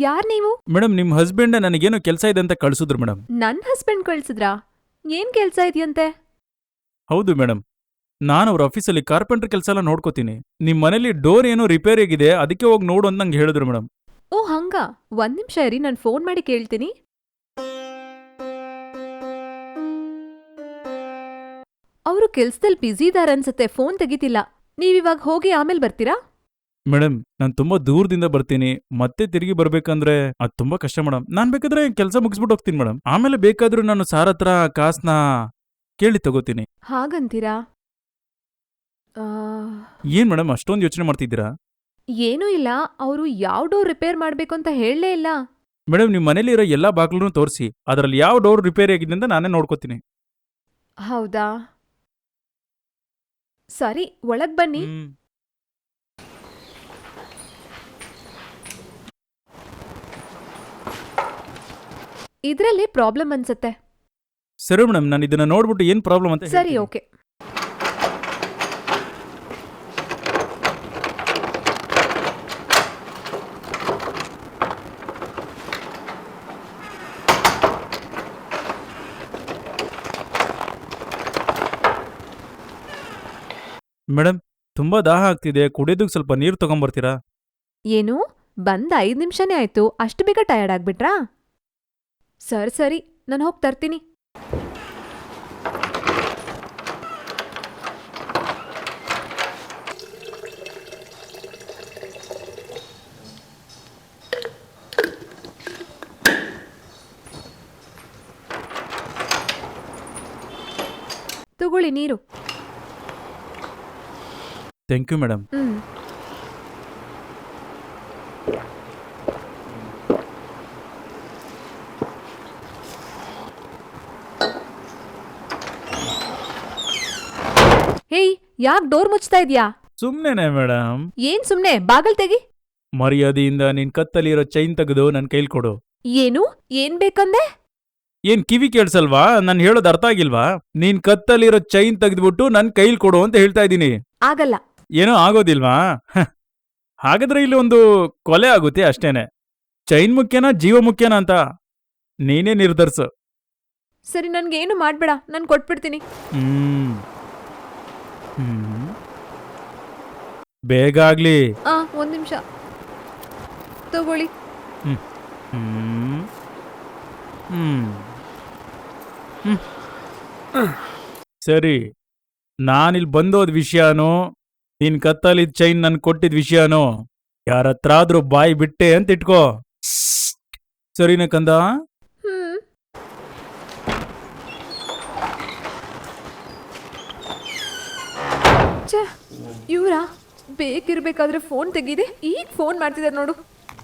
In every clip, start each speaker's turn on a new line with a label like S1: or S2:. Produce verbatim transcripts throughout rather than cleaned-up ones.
S1: ಯಾರ್ ನೀವು?
S2: ಮೇಡಮ್ ನಿಮ್ ಹಸ್ಬೆಂಡ್ ನನಗೇನೋ ಕೆಲಸ ಇದೆ ಅಂತ ಕಳ್ಸಿದ್ರು ಮೇಡಮ್.
S1: ನನ್ ಹಸ್ಬೆಂಡ್ ಕಳ್ಸಿದ್ರಾ? ಏನ್ ಕೆಲ್ಸ ಇದೆಯಂತೆ?
S2: ಹೌದು ಮೇಡಮ್, ನಾನು ಅವ್ರ ಆಫೀಸಲ್ಲಿ ಕಾರ್ಪೆಂಟರ್ ಕೆಲಸ ಎಲ್ಲ ನೋಡ್ಕೋತೀನಿ. ನಿಮ್ ಮನೇಲಿ ಡೋರ್ ಏನೋ ರಿಪೇರಿ ಆಗಿದೆ, ಅದಕ್ಕೆ ಹೋಗಿ ನೋಡು ಅಂತ ನಂಗೆ ಹೇಳಿದ್ರು ಮೇಡಮ್.
S1: ಓ ಹಂಗ, ಒಂದ್ ನಿಮಿಷ ಇರಿ, ನಾನ್ ಫೋನ್ ಮಾಡಿ ಕೇಳ್ತೀನಿ. ಅವರು ಕೆಲ್ಸದಲ್ಲಿ ಬ್ಯುಸಿ ಇದಾರೆ ಅನ್ಸತ್ತೆ, ಫೋನ್ ತೆಗಿತಿಲ್ಲ. ನೀವಿವಾಗ ಹೋಗಿ ಆಮೇಲೆ ಬರ್ತೀರಾ?
S2: ಮೇಡಮ್ ನಾನು ತುಂಬಾ ದೂರದಿಂದ ಬರ್ತೀನಿ, ಮತ್ತೆ ತಿರುಗಿ ಬರ್ಬೇಕಂದ್ರೆ ಅದು ತುಂಬಾ ಕಷ್ಟ ಮೇಡಮ್. ನಾನ್ ಬೇಕಾದ್ರೆ ಕೆಲಸ ಮುಗಿಸ್ಬಿಟ್ಟು ಹೋಗ್ತೀನಿ ಮೇಡಮ್. ಆಮೇಲೆ ಬೇಕಾದ್ರೂ ನಾನು ಸಾರ್ ಹತ್ರ ಕಾಸ್ನ ಕೇಳಿ ತಗೋತೀನಿ.
S1: ಹಾಗಂತೀರಾ? ಆ,
S2: ಏನ್ ಮೇಡಮ್ ಅಷ್ಟೊಂದು ಯೋಚನೆ ಮಾಡ್ತಿದ್ದೀರಾ?
S1: ಏನೂ ಇಲ್ಲ, ಅವರು ಯಾವ ಡೋರ್ ರಿಪೇರ್ ಮಾಡ್ಬೇಕು ಅಂತ ಹೇಳಲೇ ಇಲ್ಲ.
S2: ಮೇಡಮ್ ನಿಮ್ ಮನೇಲಿ ಇರೋ ಎಲ್ಲಾ ಬಾಗ್ಲೂ ತೋರಿಸಿ, ಅದ್ರಲ್ಲಿ ಯಾವ ಡೋರ್ ರಿಪೇರಿ ಆಗಿದೆ ಅಂತ ನಾನೇ ನೋಡ್ಕೋತೀನಿ.
S1: ಹೌದಾ, ಸರಿ, ಒಳಗ್ ಬನ್ನಿ.
S2: ಹ್ಮ್.
S1: ಇದ್ರಲ್ಲಿ ಪ್ರಾಬ್ಲಮ್ ಅನ್ಸತ್ತೆ.
S2: ಸರಿ ಮೇಡಮ್, ನಾನು ಇದನ್ನ ನೋಡ್ಬಿಟ್ಟು ಏನ್ ಪ್ರಾಬ್ಲಮ್ ಅಂತ
S1: ಸರಿ,
S2: ಹೇಳ್ತೀನಿ.
S1: ಓಕೆ.
S2: ಮೇಡಮ್ ತುಂಬಾ ದಾಹ ಆಗ್ತಿದೆ, ಕುಡಿಯೋದಕ್ಕೆ ಸ್ವಲ್ಪ ನೀರು ತಗೊಂಬರ್ತೀರಾ?
S1: ಏನು, ಬಂದ್ ಐದ್ ನಿಮಿಷನೇ ಆಯ್ತು, ಅಷ್ಟು ಬೇಗ ಟಯರ್ಡ್ ಆಗ್ಬಿಟ್ರಾ? ಸರಿ ಸರಿ, ನಾನು ಹೋಗಿ ತರ್ತೀನಿ. ತಗೊಳ್ಳಿ ನೀರು.
S2: Thank you madam.
S1: ಹ್ಮ್. ಹೇಯ್, ಯಾಕ್ ಡೋರ್ ಮುಚ್ತಾ ಇದ್ಯಾ?
S2: ಸುಮ್ನೆನೆ ಮೇಡಮ್.
S1: ಏನ್ ಸುಮ್ನೆ, ಬಾಗಲ್ ತೆಗಿ.
S2: ಮರ್ಯಾದೆಯಿಂದ ನಿನ್ ಕತ್ತಲ್ಲಿರೋ ಚೈನ್ ತೆಗೆದು ನನ್ ಕೈಲ್ ಕೊಡು.
S1: ಏನು, ಏನ್ ಬೇಕಂದೆ?
S2: ಏನ್ ಕಿವಿ ಕೇಳ್ಸಲ್ವಾ? ನಾನ್ ಹೇಳೋದ್ ಅರ್ಥ ಆಗಿಲ್ವಾ? ನೀನ್ ಕತ್ತಲ್ಲಿರೋ ಚೈನ್ ತೆಗೆದ್ಬಿಟ್ಟು ನನ್ ಕೈಲ್ ಕೊಡು ಅಂತ ಹೇಳ್ತಾ ಇದ್ದೀನಿ.
S1: ಆಗಲ್ಲ.
S2: ಏನೋ ಆಗೋದಿಲ್ವಾ? ಹ. ಹಾಗಾದ್ರೆ ಇಲ್ಲಿ ಒಂದು ಕೊಲೆ ಆಗುತ್ತೆ ಅಷ್ಟೇನೆ. ಚೈನ್ ಮುಖ್ಯನಾ ಜೀವ ಮುಖ್ಯನಾ ಅಂತ ನೀನೇ ನಿರ್ಧರಿಸು.
S1: ಸರಿ, ನನ್ಗೇನು ಮಾಡ್ಬೇಡ, ನಾನ್ ಕೊಟ್ಬಿಡ್ತೀನಿ.
S2: ಹ್ಮ್ ಹ್ಮ್ ಬೇಗ ಆಗ್ಲಿ.
S1: ಆ ಒಂದ್ ನಿಮಿಷ ತಗೊಳ್ಳಿ.
S2: ಹ್ಮ್ ಹ್ಮ್ ಹ್ಮ್ ಹ್ಮ್ ಸರಿ, ನಾನಿಲ್ ಬಂದೋದ್ ವಿಷಯನೋ ನಿನ್ ಕತ್ತಲಿದ್ ಚೈನ್ ನನ್ ಕೊಟ್ಟಿದ್ ವಿಷಯನೋ ಯಾರತ್ರಾದ್ರೂ ಬಾಯಿ ಬಿಟ್ಟೆ ಅಂತ ಇಟ್ಕೋ. ಸರಿನ ಕಂದ?
S1: ಹ್ಮ್. ಛೆ, ಇವ್ರಾ ಬೇಕಿರ್ಬೇಕಾದ್ರೆ ಫೋನ್ ತೆಗೀದೆ, ಈಗ ಫೋನ್ ಮಾಡ್ತಿದ್ದಾರೆ ನೋಡು.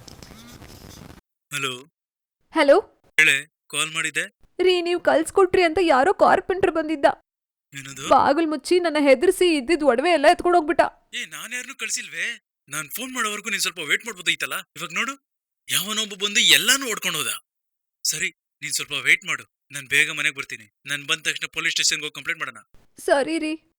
S2: ಹಲೋ.
S1: ಹಲೋ
S2: ಹೇಳೆ, ಕಾಲ್ ಮಾಡಿದೆ.
S1: ರೀ, ನೀವು ಕಲ್ಸ್ಕೊಟ್ರಿ ಅಂತ ಯಾರೋ ಕಾರ್ಪೆಂಟರ್ ಬಂದಿದ್ದ.
S2: ಏನದು?
S1: ಬಾಗಿಲ್ ಮುಚ್ಚಿ ನನ್ನ ಹೆದರ್ಸಿ ಇದ್ದಿದ್ ಒಡವೆ ಎಲ್ಲ ಎತ್ಕೊಂಡು ಹೋಗ್ಬಿಟ್ಟ.
S2: ಏ, ನಾನ್ ಯಾರನ್ನೂ ಕಳ್ಸಿಲ್ವೇ? ನಾನ್ ಫೋನ್ ಮಾಡೋವರೆಗೂ ನೀನ್ ಸ್ವಲ್ಪ ವೇಟ್ ಮಾಡ್ಬೋದೈತಲ್ಲ. ಇವಾಗ ನೋಡು, ಯಾವನೊಬ್ಬ ಬಂದು ಎಲ್ಲಾನು ಓಡ್ಕೊಂಡು ಹೋದ. ಸರಿ, ನೀನ್ ಸ್ವಲ್ಪ ವೇಟ್ ಮಾಡು, ನಾನ್ ಬೇಗ ಮನೆಗೆ ಬರ್ತೀನಿ. ನಾನ್ ಬಂದ ತಕ್ಷಣ ಪೊಲೀಸ್ ಸ್ಟೇಷನ್ಗೆ ಹೋಗಿ ಕಂಪ್ಲೇಂಟ್ ಮಾಡೋಣ.
S1: ಸರಿ ರೀ.